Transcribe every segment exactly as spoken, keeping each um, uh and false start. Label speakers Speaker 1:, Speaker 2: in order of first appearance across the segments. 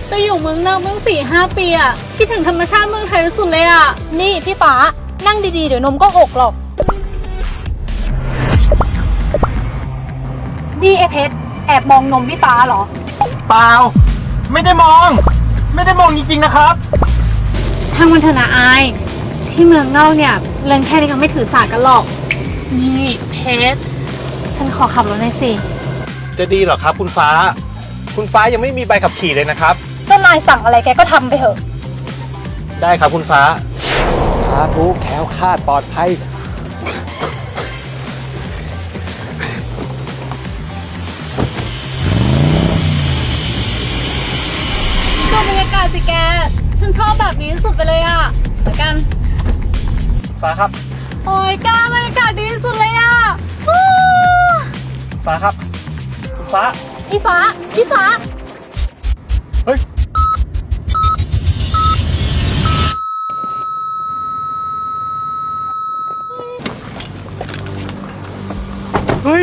Speaker 1: ไปอยู่เมืองนอกเมืองสี่ห้าปีอะคิดถึงธรรมชาติเมืองไทยสุดเลยอะ
Speaker 2: นี่พี่ฟ้านั่งดีๆเดี๋ยวนมก็อกหรอกนี่ไอเพชรแอบมองนมพี่ฟ้าเหรอ
Speaker 3: เปล่าไม่ได้มองไม่ได้มองจริงๆนะครับ
Speaker 1: ช่างมันเถอะนะอายที่เมืองนอกเนี่ยเรื่องแค่นี้ก็ไม่ถือสากันหรอกนี่เพชรฉันขอขับรถหน่อยสิ
Speaker 3: จะดีเหรอครับคุณฟ้าคุณฟ้ายังไม่มีใบขับขี่เลยนะครับ
Speaker 2: เจ้านายสั่งอะไรแกก็ทำไปเถอะ
Speaker 3: ได้ครับคุณฟ้า
Speaker 4: สาธุแคล้วคลาดปลอดภัย
Speaker 1: ดูบรรยากาศสิแกฉันชอบแบบนี้สุดไปเลยอะเหมือนกัน
Speaker 3: ฟ้าครับ
Speaker 1: โอ้ยก้าบรรยากาศดีสุดเลยอะ
Speaker 3: ฟ้าครับฟ้า
Speaker 1: พี่ฟ้าพี่ฟ้า
Speaker 3: เฮ้ยเฮ้ย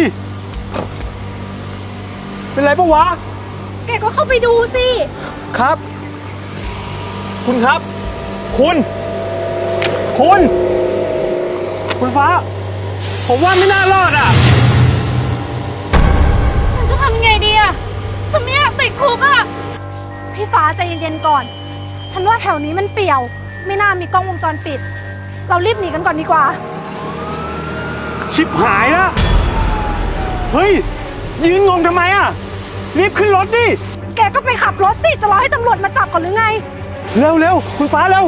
Speaker 3: เป็นไรปะวะ
Speaker 2: แกก็เข้าไปดูสิ
Speaker 3: ครับคุณครับคุณคุณ คุณฟ้าผมว่าไม่น่ารอดอ่ะ
Speaker 1: ฉันจะทำไงดีอ่ะฉันไม่อยากติดคุกอ่ะ
Speaker 2: พี่ฟ้าใจเย็นๆก่อนฉันว่าแถวนี้มันเปี่ยวไม่น่ามีกล้องวงจรปิดเรารีบหนีกันก่อนดีกว่า
Speaker 3: ชิบหายแล้วเฮ้ยยืนงงทำไมอ่ะรีบขึ้นรถดิ
Speaker 2: แกก็ไปขับรถสิจะรอให้ตำรวจมาจับก่อนหรือไง
Speaker 3: เร็วเร็วคุณฟ้าเร็ว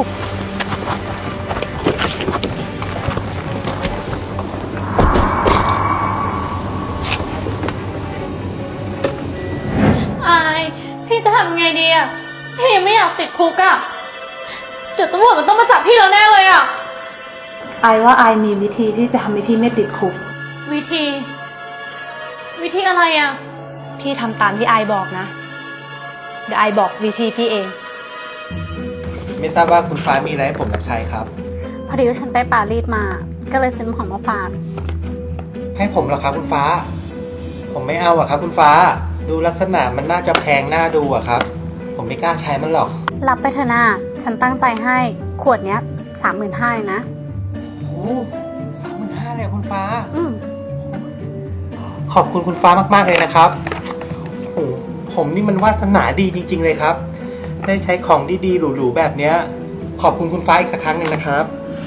Speaker 1: อายพี่จะทำไงดีอ่ะพี่ไม่อยากติดคุกอ่ะเดี๋ยวตำรวจมันต้องมาจับพี่แล้วแน่เลยอ่ะ
Speaker 2: ไอว่าไอมีวิธีที่จะทำให้พี่ไม่ติดคุก
Speaker 1: วิธีวิธีอะไรอ่ะ
Speaker 2: พี่ทำตามที่ไอบอกนะเดี๋ยวไอบอกวิธีพี่เอง
Speaker 3: ไม่ทราบว่าคุณฟ้ามีอะไรให้ผมรับใช้ครับ
Speaker 1: พอดีว่าฉันไปปารีสมาก็เลยซื้อของมาฝาก
Speaker 3: ให้ผมเหรอครับคุณฟ้าผมไม่เอาอะครับคุณฟ้าดูลักษณะมันน่าจะแพงน่าดูอะครับผมไม่กล้าใช้มันหรอก
Speaker 1: รับไปเถอะนะฉันตั้งใจให้ขวดเนี้ยสามหมื่นห้านะ
Speaker 3: โอ้สามหมื่นห้าเลยคุณฟ้า
Speaker 1: อืม
Speaker 3: ขอบคุณคุณฟ้ามากๆเลยนะครับโอ้ผมนี่มันวาสนาดีจริงๆเลยครับได้ใช้ของดีๆหรูๆแบบเนี้ยขอบคุณคุณฟ้าอีกสักครั้งหนึ่งนะครับ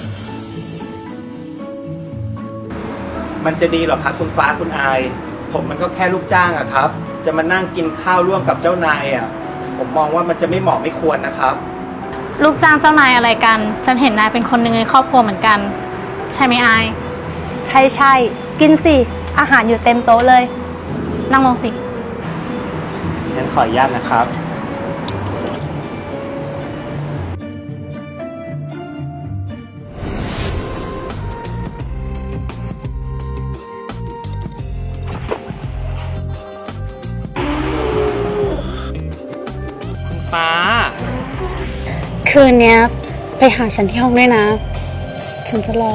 Speaker 3: มันจะดีหรอครับคุณฟ้าคุณอายผมมันก็แค่ลูกจ้างอะครับจะมานั่งกินข้าวร่วมกับเจ้านายอะผมมองว่ามันจะไม่เหมาะไม่ควรนะครับ
Speaker 1: ลูกจ้างเจ้านายอะไรกันฉันเห็นนายเป็นคนหนึ่งในครอบครัวเหมือนกันใช่ไหมอาย
Speaker 2: ใช่ใช่กินสิอาหารอยู่เต็มโต๊ะเลย
Speaker 1: นั่งลงสิ
Speaker 3: งั้นขออนุญาตนะครับฟ้า
Speaker 1: คืนนี้ไปหาฉันที่ห้องด้วยนะฉันจะรอ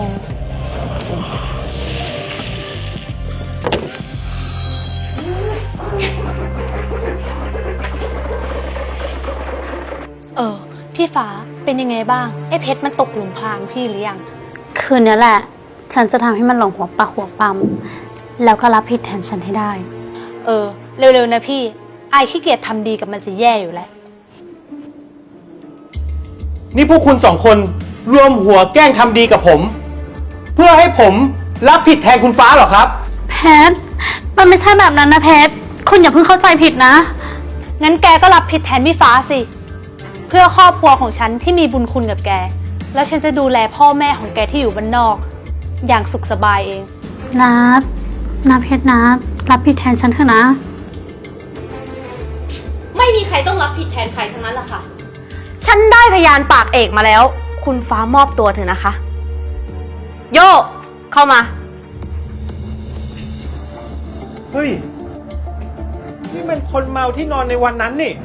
Speaker 2: เออพี่ฟ้าเป็นยังไงบ้างไอ้เพชรมันตกหลุมพรางพี่หรือยัง
Speaker 1: คืนนี้แหละฉันจะทำให้มันหลงหัวปากหัวปั๊มแล้วก็รับผิดแทนฉันให้ได้
Speaker 2: เออเร็วๆนะพี่ไอ้ขี้เกียจทำดีกับมันจะแย่อยู่แล้ว
Speaker 3: นี่พวกคุณสองคนรวมหัวแกล้งทำดีกับผมเพื่อให้ผมรับผิดแทนคุณฟ้าเหรอครับ
Speaker 1: เพชรมันไม่ใช่แบบนั้นนะเพชรคุณอย่าเพิ่งเข้าใจผิดนะ
Speaker 2: งั้นแกก็รับผิดแทนพี่ฟ้าสิเพื่อครอบครัวของฉันที่มีบุญคุณกับแกแล้วฉันจะดูแลพ่อแม่ของแกที่อยู่บ้านนอกอย่างสุขสบายเอง
Speaker 1: นัดนัดเพชรนัดรับผิดแทนฉันเถอะนะ
Speaker 2: ไม่มีใครต้องรับผิดแทนใครทั้งนั้นล่ะค่ะฉันได้พยานปากเอกมาแล้วคุณฟ้ามอบตัวเถอะนะคะโยเข้ามา
Speaker 3: เฮ้ยนี่มันคนเมาที่นอนในวันนั้นนี่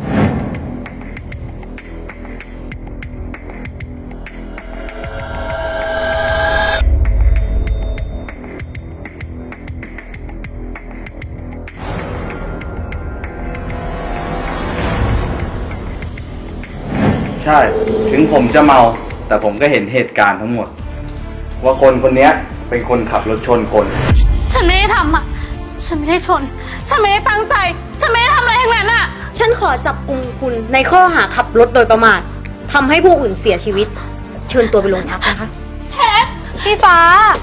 Speaker 5: ใช่ ถึงผมจะเมา แต่ผมก็เห็นเหตุการณ์ทั้งหมด ว่าคนคนนี้เป็นคนขับรถชนคน
Speaker 1: ฉันไม่ได้ทำอ่ะ ฉันไม่ได้ชน ฉันไม่ได้ตั้งใจ ฉันไม่ได้ทำอะไรทั้งนั้นอ่ะ
Speaker 6: ฉันขอจับกุมคุณในข้อหาขับรถโดยประมาททำให้ผู้อื่นเสียชีวิต เชิญตัวไปโรงพักนะคะ
Speaker 2: พี่ฟ้า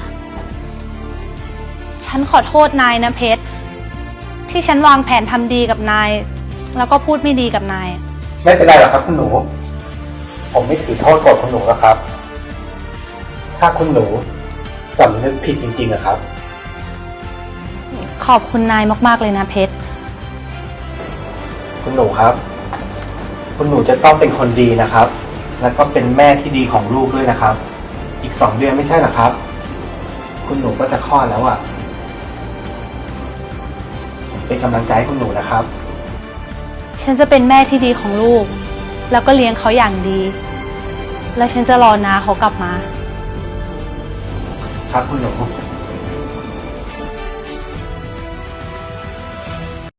Speaker 2: ฉันขอโทษนายนะเพชร ที่ฉันวางแผนทำดีกับนาย แล้วก็พูดไม่ดีกับนาย
Speaker 3: ไม่เป็นไรหรอกครับคุณหนู ผมไม่ถือโทษโกรธคุณหนูแล้วครับ ถ้าคุณหนูสำนึกผิดจริงๆนะครับ
Speaker 2: ขอบคุณนายมากๆเลยนะเพชร
Speaker 3: คุณหนูครับ คุณหนูจะต้องเป็นคนดีนะครับ แล้วก็เป็นแม่ที่ดีของลูกด้วยนะครับ อีกสองเดือนไม่ใช่หรอครับ คุณหนูก็จะคลอดแล้วอ่ะผมเป็นกำลังใจให้คุณหนูนะครับ
Speaker 2: ฉันจะเป็นแม่ที่ดีของลูก แล้วก็เลี้ยงเขาอย่างดี แล้วฉันจะรอนาเขากลับมา
Speaker 3: ครับคุณหนู